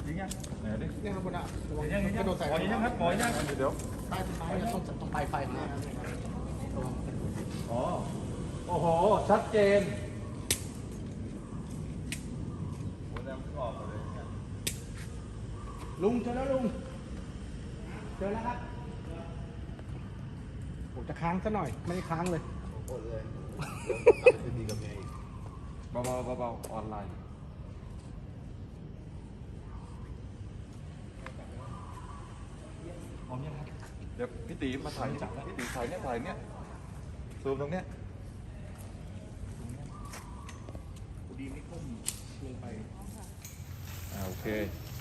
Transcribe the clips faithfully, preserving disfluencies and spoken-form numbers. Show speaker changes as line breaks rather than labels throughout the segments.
ยิงยังไหนดิ
ยังครับคุณอ่ะ
ยังยังยังหมอยังครับหมอยังเดี๋ยว
ใต้ต้นไม้ต้องต้องปลายไฟมา
อ๋อโอ้โหชัดเจน
ลุงเจอแล้วลุงเจอแล้วครับผมจะค้างซะหน่อยไม่ได้ค้างเลยโอ้เลยดีกับเมย์
เบาๆเบาๆออนไลน์พร้อมยังครับเดี๋ยวพี่ตีมาถ่ายจับพี่ตีถ่ายเนี่ยถ่ายเนี่ยซูมตรงเนี้ย
ดีไม่ก้มลงไป
อ่าโอเค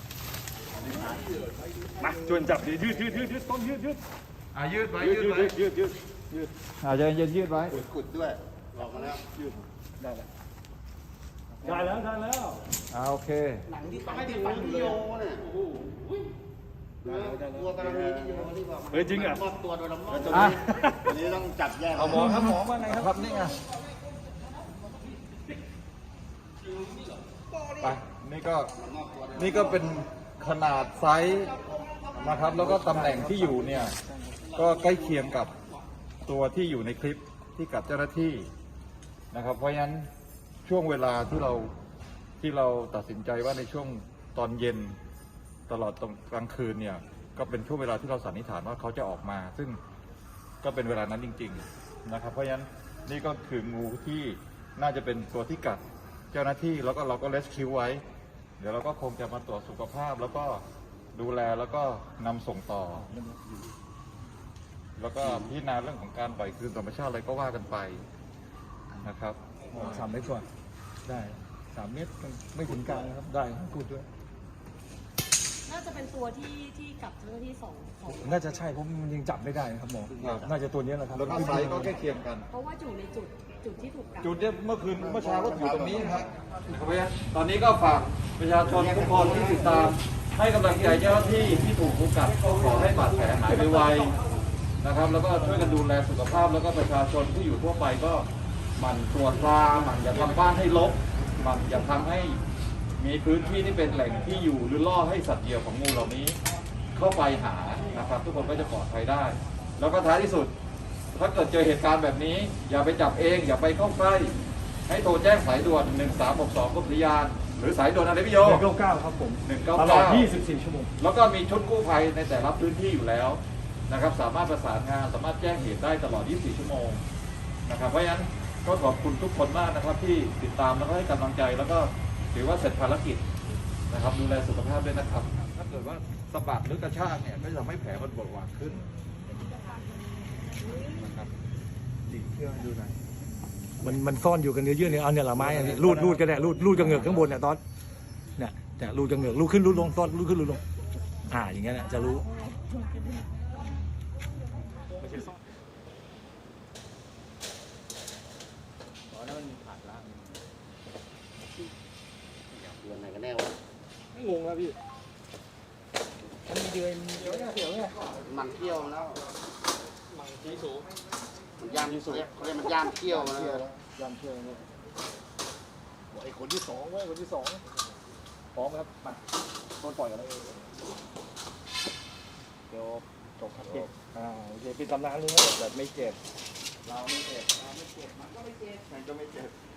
มาชวนจับดิยืดยืดยืดยืดต้นยืดยืดอ่ายืดไว้ยืดไว้ยืดยืดยืดอ่าจะยืดยืดไว้
กุดด้วยลองมาแล้วยืด
ได้แล้วได้แล้วได้แล้วอ่าโอเค
หนังที่ไม่ได้ฟันโยเนี่ยโอ้โหตัวกระมีที่โยนี่บอก
เฮ้ยจริงอ่ะ
ตัวโดนละมั่งตัวนี้ต้องจับแยก
เอาหมอครับหมอว่าไงครับนี่ไงไปนี่ก็นี่ก็เป็นขนาดไซส์นะครับแล้วก็ตำแหน่งที่อยู่เนี่ยก็ใกล้เคียงกับตัวที่อยู่ในคลิปที่กับเจ้าหน้าที่นะครับเพราะฉะนั้นช่วงเวลาที่เราที่เราตัดสินใจว่าในช่วงตอนเย็นตลอดตรงกลางคืนเนี่ยก็เป็นช่วงเวลาที่เราสันนิษฐานว่าเขาจะออกมาซึ่งก็เป็นเวลานั้นจริงๆนะครับเพราะฉะนั้นนี่ก็คืองูที่น่าจะเป็นตัวที่กัดเจ้าหน้าที่แล้วก็เราก็เลสคิวไว้เดี๋ยวเราก็คงจะมาตรวจสุขภาพแล้วก็ดูแลแล้วก็นำส่งต่อแล้วก็พิจารณาเรื่องของการปล่อยคืนธรรมชาติอะไรก็ว่ากันไปนะครับ
สามเมตรกว่าได้สามเมตรไม่ถึงกลางนะครับได้กูดด้วย
น่าจะเป็นตัวที่ที่กับเจ้าหน้าที่สองสอง
น่าจะใช่เพราะมันยังจับไม่ได้ครับหมอน่าจะตัวนี้แหละครับ
แล้วก็ไซส์ก็ใกล้เคียงกัน
เพราะว่าอยู่ในจุดจุดที่ถูกกัด
จุดเนี่ยเมื่อคืนเมื่อเช้าก็อยู่ตรงนี้ครับตอนนี้ก็ฝากประชาชนทุกคนที่ติดตามให้กำลังใจเจ้าหน้าที่ที่ถูกงูกัดก็ขอให้บาดแผลหายไวๆนะครับแล้วก็ช่วยกันดูแลสุขภาพแล้วก็ประชาชนที่อยู่ทั่วไปก็หมั่นตรวจตราหมั่นอย่าทำบ้านให้รกหมั่นอย่าทำให้มีพื้นที่ที่เป็นแหล่งที่อยู่หรือล่อให้สัตว์เหยี่ยวของงูเหล่านี้เข้าไปหานะครับทุกคนก็จะปลอดภัยได้แล้วก็ท้ายที่สุดถ้าเกิดเจอเหตุการณ์แบบนี้อย่าไปจับเองอย่าไปเข้าใกล้ให้โทรแจ้งสายด่วนหนึ่งสามหกสองกรมอุทยานหรือสายด่วนอะไรพี่โย
หนึ่งเก้าเก้าครับผม
หนึ่งเก้า
ตลอดยี่สิบสี่ชั่วโมง
แล้วก็มีชุดกู้ภัยในแต่ละพื้นที่อยู่แล้วนะครับสามารถประสานงานสามารถแจ้งเหตุได้ตลอดยี่สิบสี่ชั่วโมงนะครับเพราะฉะนั้นก็ขอบคุณทุกคนมากนะครับที่ติดตามแล้วก็ให้กำลังใจแล้วก็ถือว่าเสร็จภารกิจนะครับดูแลสุขภาพด้วยนะครับถ้าเกิดว่าสะบัดหรือกระชากเนี่ยก็จะทำให้แผลมันบวมหวานขึ้นนะครับดีเพื่อดูหน่อย
มันมันซ่อนอยู่กันเนื้อเยื่อเนี่ยเอาเนี่ยหละไม้รูดรูดกันเนี่ยรูดรูดกระเหงือกข้างบนเนี่ยตอนเนี่ยเนี่ยรูดกระเหงือกรูดขึ้นรูดลงตอนรูดขึ้นรูดลงอ่าอย่างเงี้ยเนี่ยจะรู้
เดือนไหนกันแน่วะ
ไม่งงแล้วพี่มันมีเดือนเดียวเนี่ยเดี๋ยวเนี่ย
มันเที่ยวแล้ว
มันที่สูง
มันย่ามที่สุดเขาเรียกมันย่ามเที่ยวนะ
ยามเที่ยวเนี่ยไอ้คนที่สองเว้ยคนที่สองพร้อมครับมาต้นปล่อยกันเลยเดี๋ยวจบครับอ่าโอเคเป็นตำนานเลยนะแบบไม่เจ็บ
เราไม่เจ็บเราไม่เจ็บมันก็ไม่เจ็บ
มันก็ไม่เจ็บ